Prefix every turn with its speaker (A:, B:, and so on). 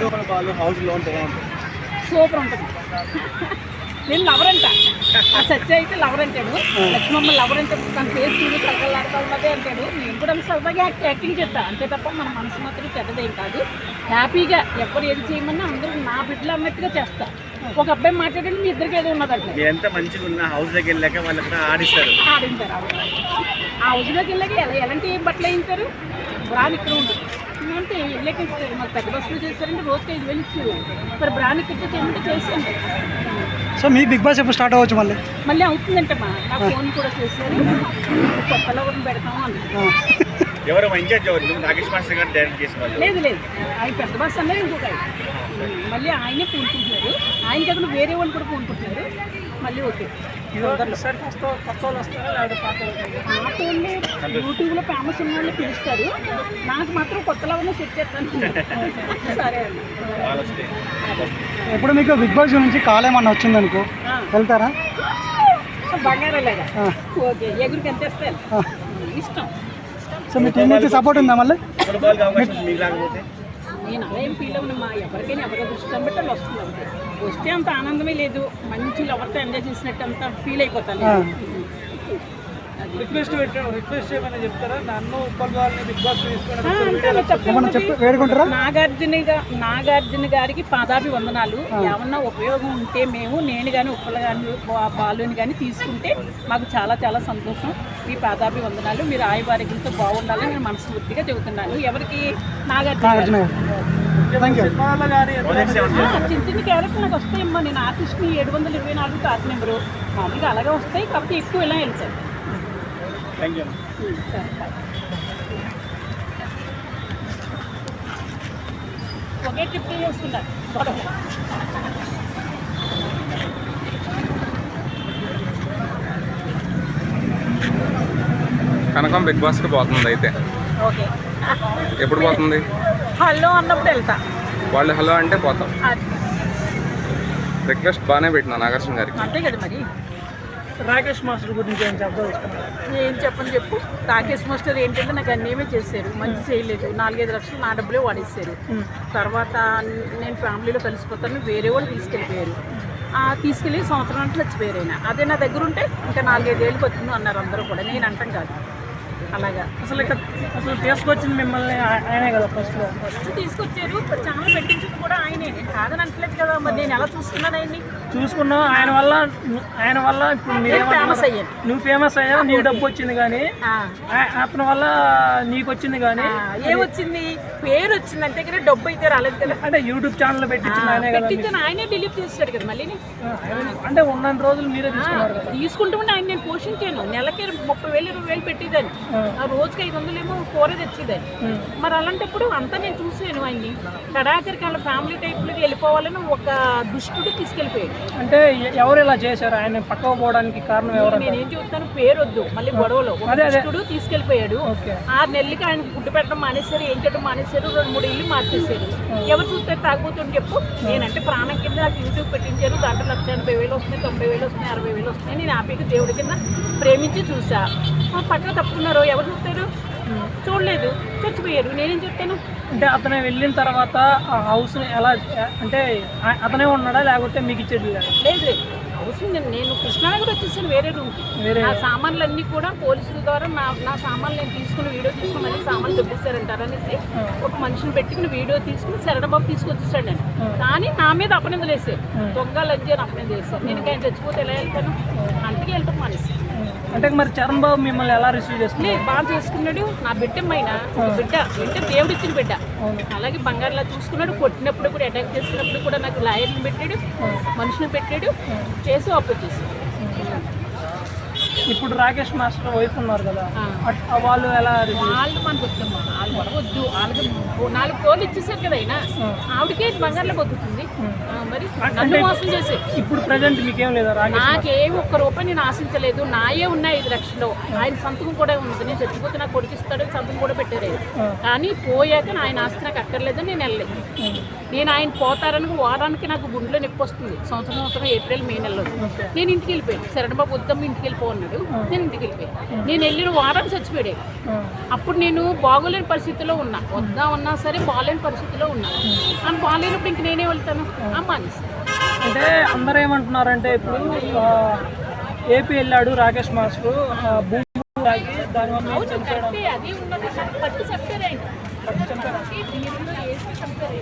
A: హౌస్లో ఉంటే
B: సూపర్ ఉంటుంది. నేను లవర్ అంట, ఆ సత్య అయితే లవర్ అంటాడు, లక్ష్మమ్మ లవర్ అంటే తన ఫేస్ చూసి కలకలాడుతూ ఉన్నదే అంటాడు. నేను కూడా సరదాగా యాక్టింగ్ చేస్తా అంతే తప్ప మన మనసు మాత్రం చెడ్డదేం కాదు. హ్యాపీగా ఎవరు ఏది చేయమన్నా అందరూ నా బిడ్డలు అన్నట్టుగా చేస్తా. ఒక అబ్బాయి మాట్లాడండి మీ ఇద్దరికి ఏదో ఉన్నదంటే
A: ఎంత మంచిగా ఉన్న హౌస్ దగ్గర వెళ్ళాక వాళ్ళకి ఆడిస్తారు.
B: ఆ హౌస్లోకి వెళ్ళాక ఎలాంటి ఏం బట్టలు వేయించారు బ్రాన్ ఇక్కడ ఉంటుంది అంటే వెళ్ళాక ఇస్తారు. మరి పెద్ద బస్సులో చేస్తారంటే రోజుకి 5,000 ఇచ్చారు. మరి బ్రాన్ ఇక్కడ చేయమంటే చేసాను.
C: సో మీ బిగ్ బాస్ ఎప్పుడు స్టార్ట్ అవ్వచ్చు? మళ్ళీ
B: అవుతుందంటమ్మా. నా ఫోన్ కూడా చేశారు, కొత్తలో కూడా పెడతాము అని.
A: ఎవరు ఇన్ఛార్జ్ నాగేష్ మాస్టర్ గారు డైరెక్ట్ చేసిన
B: లేదు ఆయన పెద్ద బస్ అన్నది ఇంకొక మళ్ళీ ఆయనే పూనుకుంటున్నారు. ఆయన కాకుండా వేరే వాళ్ళు కూడా పూనుకుంటున్నారు. మళ్ళీ ఓకే పాత వాళ్ళు యూట్యూబ్లో ఫేమస్ ఉన్న వాళ్ళు పిలుస్తారు. నాకు మాత్రం కొత్తలో ఉన్న సెట్ చేస్తాను. సరే అండి.
C: ఎప్పుడు మీకు బిగ్ బాస్ నుంచి కాల్ ఏమన్నా వచ్చిందనుకో వెళ్తారా?
B: బంగారాలాగా ఓకే ఎగురికి ఎంత ఇస్తారు ఇష్టం.
C: సో మీ టీం నుంచి సపోర్ట్ ఉందా మళ్ళీ?
B: నేను అలా ఏం ఫీల్ అవ్వనమ్మా. ఎవరికైనా ఎవరి దృష్టి బట్టి వాళ్ళు వస్తుంది అంతే. వస్తే అంత ఆనందమే లేదు. మంచి ఎవరితో ఎంజాయ్ చేసినట్టు అంత ఫీల్ అయిపోతాను.
C: రిక్వెస్ట్ చేయమని చెప్తారా? నన్ను
B: నాగార్జున గారికి పాదాభి వందనాలు. ఏమన్నా ఉపయోగం ఉంటే నేను కానీ ఉప్పలు కానీ బాలుని కానీ తీసుకుంటే మాకు చాలా చాలా సంతోషం. మీ పాదాభి వందనాలు. మీరు ఆయువారోగ్యంతో బాగుండాలని నేను మనస్ఫూర్తిగా చెబుతున్నాను. ఎవరికి? నాగార్జున. చిన్న చిన్న క్యారెక్టర్ నాకు వస్తాయమ్మా. నేను ఆర్టిస్ట్ని 724 కార్డ్ నెంబరు మామూలుగా అలాగే వస్తాయి. కాకపోతే ఎక్కువ ఇలా వెళ్తాయి. ఒకే ట్రిప్ చేసుకుంటారు.
D: కనకం బిగ్ బాస్కి పోతుంది అయితే.
B: ఓకే
D: ఎప్పుడు పోతుంది?
B: హలో అన్నప్పుడు వెళ్తా.
D: వాళ్ళు హలో అంటే పోతాం. రిక్వెస్ట్ బాగానే పెట్టినా నాగార్జున గారికి.
B: అంతే కదా మరి.
C: రాకేష్ మాస్టర్ గురించి
B: ఏం చెప్పని చెప్పు. రాకేష్ మాస్టర్ ఏంటంటే నాకు అన్నేమే చేశారు. మంచి చేయలేదు. 4-5 లక్షలు నా డబ్బులే వాడేశారు. తర్వాత నేను ఫ్యామిలీలో కలిసిపోతాను వేరే వాళ్ళు తీసుకెళ్ళిపోయారు. తీసుకెళ్ళి సంవత్సరం అంటే చచ్చిపోయారు. అయినా అదే నా దగ్గర ఉంటే ఇంకా 4-5 ఏళ్ళకి వచ్చింది అన్నారు అందరూ కూడా. నేను అంటాం కాదు అలాగా. అసలు తీసుకొచ్చింది మిమ్మల్ని ఆయనే కదా ఫస్ట్ తీసుకొచ్చారు. చాలా పెట్టించింది కూడా ఆయనే. నేను కాదని అంటలేదు కదా. మరి నేను ఎలా చూసుకున్నాను ఆయన్ని? చూసుకున్నావు. ఆయన వల్ల ఇప్పుడు ఫేమస్ అయ్యాను. నువ్వు ఫేమస్ అయ్యావు. నీకు డబ్బు వచ్చింది కానీ అతని వల్ల నీకు వచ్చింది కానీ ఏమొచ్చింది? పేరు వచ్చింది అంతే కదా. డబ్బు అయితే రాలేదు కదా. అంటే యూట్యూబ్ ఛానల్ పెట్టించింది ఆయనే కదా. పెట్టించాను ఆయనే డిలీట్ చేస్తాడు కదా మళ్ళీ. అంటే ఉన్న రోజులు మీరే తీసుకుంటూ ఆయన నేను పోషించాను. నెలకి 30,000-20,000 పెట్టేదాన్ని. ఆ రోజుకి 500 ఏమో కూర తెచ్చేదాన్ని. మరి అలాంటప్పుడు అంతా నేను చూసాను ఆయన్ని. కడాకరికి వాళ్ళ ఫ్యామిలీ టైప్లోకి వెళ్ళిపోవాలని ఒక దుష్టుడు తీసుకెళ్ళిపోయాడు. అంటే ఎవరు ఇలా చేశారు? ఆయన పక్కకు పోవడానికి కారణం ఎవరు? నేనేం చెప్తాను, పేరు వద్దు మళ్ళీ గొడవలో. దుష్టుడు తీసుకెళ్ళిపోయాడు. 6 నెలలకి ఆయన ఫుడ్ పెట్టడం మానేశారు, ఏం చేయడం మానేశారు. 2-3 ఇల్లు మార్చేశారు. ఎవరు చూస్తారు తాగుతుంటే చెప్పు. నేనంటే ప్రాణం కింద నాకు యూట్యూబ్ పెట్టించారు. దాంట్లో 1,80,000 వస్తున్నాయి, 90,000 వస్తున్నాయి, 60,000 వస్తున్నాయి. నేను హ్యాపీగా దేవుడి కింద ప్రేమించి చూసా. పక్కన తప్పుకున్నారు. ఎవరు చూస్తారు? చూడలేదు, చచ్చిపోయారు. నేనేం చెప్తాను? అంటే అతను వెళ్ళిన తర్వాత ఆ హౌస్ని ఎలా అంటే అతనే ఉన్నాడా లేకపోతే మీకు ఇచ్చేది? లేదు హౌస్ నేను కృష్ణానగర్ వచ్చేసాను వేరే రూమ్కి. నా సామాన్లు అన్నీ కూడా పోలీసుల ద్వారా నా సామాన్లు నేను తీసుకుని వీడియో తీసుకుని మళ్ళీ సామాన్లు దొబ్బేశారంటారు అనేసి ఒక మనిషిని పెట్టుకుని వీడియో తీసుకుని శరణబాబు తీసుకొచ్చేసాడు నేను. కానీ నా మీద అపనిందలు వేసారు. దొంగలు అని అపనిందలు వేస్తారు. నేను ఇంకా ఆయన చచ్చిపోతే ఎలా వెళ్తాను? అందుకే వెళ్తాం మానేసి. అంటే మరి చరణ్ బాబు మిమ్మల్ని ఎలా రిసీవ్ చేసుకున్నాడు? బాగా చేసుకున్నాడు. నా బిడ్డమ్మైన బిడ్డ అంటే దేవుడు ఇచ్చిన బిడ్డ. అలాగే బంగారులా చూసుకున్నాడు. కొట్టినప్పుడు కూడా అటాక్ చేసినప్పుడు కూడా నాకు లాయర్ని పెట్టాడు, మనుషుని పెట్టాడు, చేసి అప్పొచ్చేసి. ఇప్పుడు రాకేష్ మాస్టర్ వైఫ్ ఉన్నారు కదా, వాళ్ళు ఎలా? వాళ్ళు మనకు వద్దమ్మా. వాళ్ళు పడవద్దు. వాళ్ళకి 4 కోళ్ళు ఇచ్చేసారు కదా. అయినా ఆవిడకే బంగారులో బతుకుతుంది. మరి నన్ను మోసం చేసి ఇప్పుడు ప్రజెంట్ మీకేం లేదా? నాకేం ₹1 నేను ఆశించలేదు. నాయే ఉన్నాయి 5 లక్షలు. ఆయన సంతకం కూడా ఉంది. నేను చచ్చిపోతే నాకు కొడుకిస్తాడు సంతకం కూడా పెట్టారు. కానీ పోయాక ఆయన ఆస్తి నాకు అక్కర్లేదని నేను వెళ్ళలేదు. నేను ఆయన పోతారని వారానికి నాకు గుండెలో నొప్పి వస్తుంది. సంవత్సరం ఏప్రిల్ మే నెలలో నేను ఇంటికి వెళ్ళిపోయాను. శరణబాబు వద్దమ్మ ఇంటికి వెళ్ళిపోన్నాడు. చచ్చిపోయాడు, నేను ఇంటికి వెళ్ళిపోయాను. నేను వెళ్ళిన వారానికి చచ్చిపోయాడు. అప్పుడు నేను బాగోలేని పరిస్థితిలో ఉన్నా, వద్దా ఉన్నా సరే బాగోలేని పరిస్థితిలో ఉన్నా. అని బాగాలేనప్పుడు ఇంక నేనే వెళ్తాను మానేసి.
C: అంటే అందరూ ఏమంటున్నారంటే ఇప్పుడు ఏపీ వెళ్ళాడు రాకేష్ మాస్టర్ భూమి తాగి దానివల్ల
B: అవును కరెక్టే, అది ఉన్నది. పట్టు చెప్పారు ఆయన, బీరులో వేసి చంపారు.